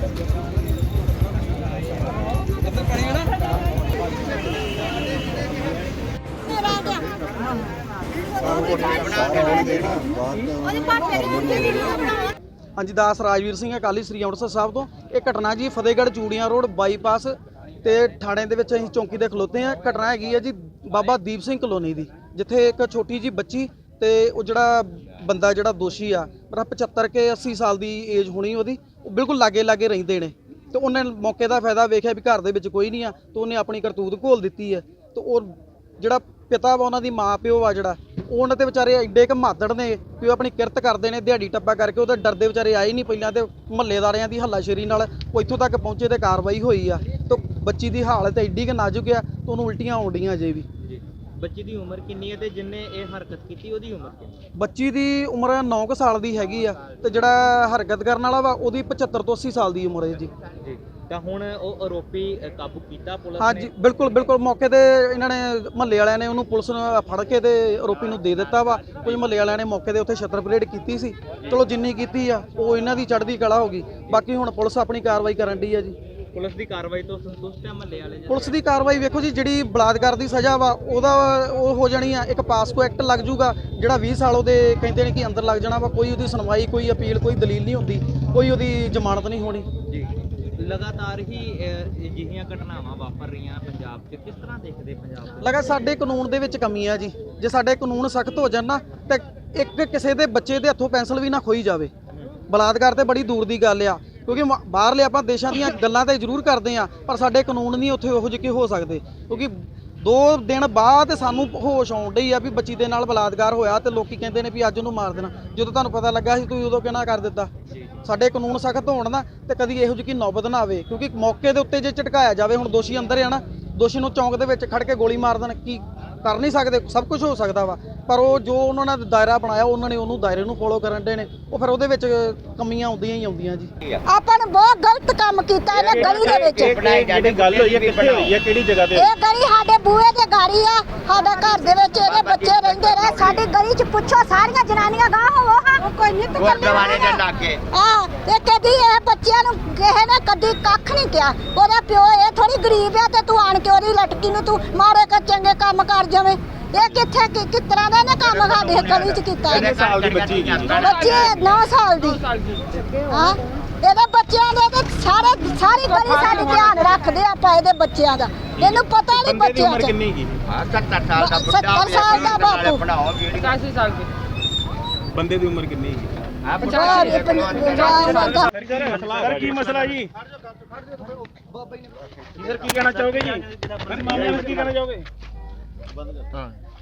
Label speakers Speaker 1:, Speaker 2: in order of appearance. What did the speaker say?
Speaker 1: हाँ जी, दास राजवीर सिंह अकाली श्री ਅੰਮ੍ਰਿਤਸਰ ਸਾਹਿਬ ਤੋਂ। ਇਹ ਘਟਨਾ ਜੀ ਫਤਿਹਗੜ੍ਹ ਚੂੜੀਆਂ ਰੋਡ ਬਾਈਪਾਸ ਤੇ ਥਾਣੇ ਦੇ ਵਿੱਚ ਅਸੀਂ ਚੌਂਕੀ ਦੇ ਖਲੋਤੇ ਆ। ਘਟਨਾ ਹੈਗੀ ਹੈ ਜੀ ਬਾਬਾ ਦੀਪ ਸਿੰਘ ਕਲੋਨੀ ਦੀ, ਜਿੱਥੇ ਇੱਕ ਛੋਟੀ ਜੀ ਬੱਚੀ ਤੇ ਉਹ ਜਿਹੜਾ ਬੰਦਾ ਜਿਹੜਾ ਦੋਸ਼ੀ ਆ ਮੇਰਾ 75 ਕੇ 80 ਸਾਲ ਦੀ ਏਜ ਹੋਣੀ ਉਹਦੀ, ਉਹ ਬਿਲਕੁਲ ਲਾਗੇ ਲਾਗੇ ਰਹਿੰਦੇ ਨੇ। ਤੇ ਉਹਨੇ ਮੌਕੇ ਦਾ ਫਾਇਦਾ ਵੇਖਿਆ ਵੀ ਘਰ ਦੇ ਵਿੱਚ ਕੋਈ ਨਹੀਂ ਆ, ਤੇ ਉਹਨੇ ਆਪਣੀ ਕਰਤੂਤ ਘੋਲ ਦਿੱਤੀ ਹੈ। ਤੇ ਉਹ ਜਿਹੜਾ ਪਿਤਾ ਵਾ ਉਹਨਾਂ ਦੀ ਮਾਂ ਪਿਓ ਆ ਜਿਹੜਾ ਉਹਨਾਂ ਤੇ ਵਿਚਾਰੇ ਐਡੇ ਕੁ ਮਾਤੜ ਨੇ ਕਿ ਉਹ ਆਪਣੀ ਕਿਰਤ ਕਰਦੇ ਨੇ ਦਿਹਾੜੀ ਟੱਪਾ ਕਰਕੇ। ਉਹਦੇ ਡਰਦੇ ਵਿਚਾਰੇ ਆਏ ਨਹੀਂ ਪਹਿਲਾਂ, ਤੇ ਮਹੱਲੇਦਾਰਿਆਂ ਦੀ ਹੱਲਾਸ਼ੇਰੀ ਨਾਲ ਉਹ ਇੱਥੋਂ ਤੱਕ ਪਹੁੰਚੇ ਤੇ ਕਾਰਵਾਈ ਹੋਈ ਆ। ਤੇ ਬੱਚੀ ਦੀ ਹਾਲਤ ਐਡੀ ਕੁ ਨਾਜ਼ੁਕ ਆ ਤੇ ਉਹਨੂੰ ਉਲਟੀਆਂ ਆਉਂਦੀਆਂ ਅਜੇ ਵੀ।
Speaker 2: ਬੱਚੀ ਦੀ ਉਮਰ ਕਿੰਨੀ ਹੈ ਤੇ ਜਿੰਨੇ ਇਹ ਹਰਕਤ ਕੀਤੀ ਉਹਦੀ ਉਮਰ ਕਿੰਨੀ?
Speaker 1: ਬੱਚੀ ਦੀ ਉਮਰ 9 ਸਾਲ ਦੀ ਹੈਗੀ ਆ ਤੇ ਜਿਹੜਾ ਹਰਕਤ ਕਰਨ ਵਾਲਾ ਵਾ ਉਹਦੀ 75 ਤੋਂ 80 ਸਾਲ ਦੀ ਉਮਰ ਹੈ ਜੀ।
Speaker 2: ਤਾਂ ਹੁਣ ਉਹ ਆਰੋਪੀ ਕਾਬੂ ਕੀਤਾ ਪੁਲਿਸ ਨੇ?
Speaker 1: ਹਾਂਜੀ ਬਿਲਕੁਲ ਬਿਲਕੁਲ, ਮੌਕੇ ਤੇ ਇਹਨਾਂ ਨੇ ਮਹੱਲੇ ਵਾਲਿਆਂ ਨੇ ਉਹਨੂੰ ਪੁਲਿਸ ਨੂੰ ਫੜ ਕੇ ਤੇ ਆਰੋਪੀ ਨੂੰ ਦੇ ਦਿੱਤਾ ਵਾ। ਕੁਝ ਮਹੱਲੇ ਵਾਲਿਆਂ ਨੇ ਮੌਕੇ ਦੇ ਉੱਥੇ ਛੱਤਰ ਪਰੇਡ ਕੀਤੀ ਸੀ, ਚਲੋ ਜਿੰਨੀ ਕੀਤੀ ਆ ਉਹ ਇਹਨਾਂ ਦੀ ਚੜ੍ਹਦੀ ਕਲਾ ਹੋ ਗਈ। ਬਾਕੀ ਹੁਣ ਪੁਲਿਸ ਆਪਣੀ ਕਾਰਵਾਈ ਕਰਨ ਡਈ ਆ ਜੀ।
Speaker 2: ਪੁਲਿਸ ਦੀ ਕਾਰਵਾਈ ਤੋਂ ਸੰਤੁਸ਼ਟ ਹੈ ਮਹੱਲੇ ਵਾਲੇ?
Speaker 1: ਪੁਲਿਸ ਦੀ ਕਾਰਵਾਈ ਵੇਖੋ ਜੀ, ਜਿਹੜੀ ਬਲਾਤਕਾਰ ਦੀ ਸਜ਼ਾ ਵਾ ਉਹਦਾ ਉਹ ਹੋ ਜਾਣੀ ਆ, ਇੱਕ ਪਾਸਕੋ ਐਕਟ ਲੱਗ ਜੂਗਾ ਜਿਹੜਾ 20 ਸਾਲ ਉਹਦੇ ਕਹਿੰਦੇ ਨੇ ਕਿ ਅੰਦਰ ਲੱਗ ਜਾਣਾ ਵਾ। ਕੋਈ ਉਹਦੀ ਸੁਣਵਾਈ, ਕੋਈ ਅਪੀਲ, ਕੋਈ ਦਲੀਲ ਨਹੀਂ ਹੁੰਦੀ, ਕੋਈ ਉਹਦੀ ਜ਼ਮਾਨਤ ਨਹੀਂ ਹੋਣੀ
Speaker 2: ਜੀ। ਲਗਾਤਾਰ ਹੀ ਅਜਿਹੀਆਂ ਘਟਨਾਵਾਂ ਵਾਪਰ ਰਹੀਆਂ ਪੰਜਾਬ 'ਚ, ਕਿਸ ਤਰ੍ਹਾਂ ਦੇਖਦੇ ਪੰਜਾਬ ਦੇ?
Speaker 1: ਲਗਾ ਸਾਡੇ ਕਾਨੂੰਨ ਦੇ ਵਿੱਚ ਕਮੀ ਆ ਜੀ। ਜੇ ਸਾਡੇ ਕਾਨੂੰਨ ਸਖਤ ਹੋ ਜਾਣ ਨਾ ਤੇ ਇੱਕ ਕਿਸੇ ਦੇ ਬੱਚੇ ਦੇ ਹੱਥੋਂ ਪੈਨਸਲ ਵੀ ਨਾ ਖੋਈ ਜਾਵੇ। ਬਲਾਤਕਾਰ ਤੇ ਬੜੀ ਦੂਰ ਦੀ ਗੱਲ ਆ, ਕਿਉਂਕਿ ਬਾਹਰਲੇ ਆਪਾਂ ਦੇਸ਼ਾਂ ਦੀਆਂ ਗੱਲਾਂ ਤਾਂ ਜ਼ਰੂਰ ਕਰਦੇ ਆ, ਪਰ ਸਾਡੇ ਕਾਨੂੰਨ ਨਹੀਂ ਉੱਥੇ ਉਹੋ ਜਿਹੇ ਹੋ ਸਕਦੇ। ਕਿਉਂਕਿ 2 ਦਿਨ ਬਾਅਦ ਸਾਨੂੰ ਹੋਸ਼ ਆਉਣ ਡਈ ਆ ਵੀ ਬੱਚੀ ਦੇ ਨਾਲ ਬਲਾਤਕਾਰ ਹੋਇਆ ਤੇ ਲੋਕੀ ਕਹਿੰਦੇ ਨੇ ਵੀ ਅੱਜ ਉਹਨੂੰ ਮਾਰ ਦੇਣਾ। ਜਦੋਂ ਤੁਹਾਨੂੰ ਪਤਾ ਲੱਗਾ ਸੀ ਤੁਸੀਂ ਉਦੋਂ ਕਿਹਨਾਂ ਕਰ ਦਿੱਤਾ? ਸਾਡੇ ਕਾਨੂੰਨ ਸਖਤ ਹੋਣ ਨਾ ਤੇ ਕਦੀ ਇਹੋ ਜਿਹੀ ਨੌਬਤ ਨਾ ਆਵੇ, ਕਿਉਂਕਿ ਮੌਕੇ ਦੇ ਉੱਤੇ ਜੇ ਝਟਕਾਇਆ ਜਾਵੇ, ਹੁਣ ਦੋਸ਼ੀ ਅੰਦਰ ਆ ਨਾ, ਦੋਸ਼ੀ ਨੂੰ ਚੌਂਕ ਦੇ ਵਿੱਚ ਖੜ ਕੇ ਗੋਲੀ ਮਾਰ ਦੇਣ, ਕੀ ਕਰ ਨਹੀਂ ਸਕਦੇ? ਸਭ ਕੁਝ ਹੋ ਸਕਦਾ ਵਾ, ਪਰ ਉਹ ਜੋ ਉਹਨਾਂ ਨੇ ਦਾਇਰਾ ਬਣਾਇਆ ਉਹਨਾਂ ਨੇ ਉਹਨੂੰ ਦਾਇਰੇ ਨੂੰ ਫੋਲੋ ਕਰਨ ਦੇ ਨੇ, ਉਹ ਫਿਰ ਉਹਦੇ ਵਿੱਚ ਕਮੀਆਂ ਆਉਂਦੀਆਂ ਹੀ ਆਉਂਦੀਆਂ ਜੀ।
Speaker 3: ਆਪਾਂ ਨੇ ਬਹੁਤ ਗਲਤ ਕੰਮ ਕੀਤਾ ਇਹਨੇ ਗਲੀ ਦੇ ਵਿੱਚ।
Speaker 4: ਜਿਹੜੀ ਗੱਲ ਹੋਈ ਹੈ ਕਿੱਥੇ ਹੋਈ ਹੈ, ਕਿਹੜੀ ਜਗ੍ਹਾ ਤੇ?
Speaker 3: ਇਹ ਗਲੀ ਸਾਡੇ ਬੂਹੇ ਤੇ ਗਾੜੀ ਆ, ਸਾਡਾ ਘਰ ਦੇ ਵਿੱਚ ਇਹਦੇ ਬੱਚੇ ਰਹਿੰਦੇ ਰਹੇ। ਸਾਡੀ ਗਲੀ 'ਚ ਪੁੱਛੋ ਸਾਰੀਆਂ ਜਨਾਨੀਆਂ ਗਾਹ ਹੋਵੋ ਹਾਂ, ਕੋਈ ਨਿੱਤ
Speaker 4: ਗੁਰਦੁਆਰੇ ਦੇ ਲਾਗੇ
Speaker 3: ਆ ਤੇ ਕਦੀ ਇਹ ਬੱਚਿਆਂ ਨੂੰ ਕਿਸੇ ਨੇ ਕਦੀ ਕੱਖ ਨਹੀਂ ਕਿਹਾ। ਉਹਦਾ ਪਿਓ ਇਹ ਥੋੜੀ ਗਰੀਬ ਆ ਤੇ ਤੂੰ ਆਣ ਕੇ ਉਹਦੀ ਲਟਕੀ ਨੂੰ ਤੂੰ ਮਾਰੇ ਕਰ ਚੰਗੇ ਕੰਮ ਕਰ ਜਾਵੇਂ। ਇਹ ਕਿੱਥੇ ਕਿਸ ਤਰ੍ਹਾਂ ਦਾ ਇਹਨੇ ਕੰਮ ਸਾਡੇ ਗਲੀ 'ਚ ਕੀਤਾ?
Speaker 4: ਕਿੰਨੇ ਸਾਲ ਦੀ ਬੱਚੀ?
Speaker 3: ਬੱਚੀ 9 ਸਾਲ ਦੀ। ਹਾਂ, ਇਹਦੇ ਬੱਚਿਆਂ ਦੇ ਤੇ ਸਾਰੀ ਗਲੀ ਸਾਡੀ ਧਿਆਨ ਰੱਖਦੇ ਆਪਾਂ ਇਹਦੇ ਬੱਚਿਆਂ ਦਾ। ਇਹਨੂੰ ਪਤਾ ਨਹੀਂ ਬੱਚਿਆਂ
Speaker 4: ਉਮਰ ਕਿੰਨੀ ਕੀ?
Speaker 3: 70 ਸਾਲ ਦਾ ਬੁੱਢਾ, 70 ਸਾਲ ਦਾ ਬਾਪੂ,
Speaker 2: 85 ਸਾਲ ਦੀ।
Speaker 4: ਬੰਦੇ ਦੀ ਉਮਰ ਕਿੰਨੀ ਕੀ?
Speaker 5: ਸਰ ਕੀ ਮਸਲਾ ਜੀ? ਸਰ ਕੀ ਕਹਿਣਾ ਚਾਹੋਗੇ ਜੀ? ਮਾਮਲੇ ਵਿੱਚ ਕੀ ਕਹਿਣਾ ਚਾਹੋਗੇ?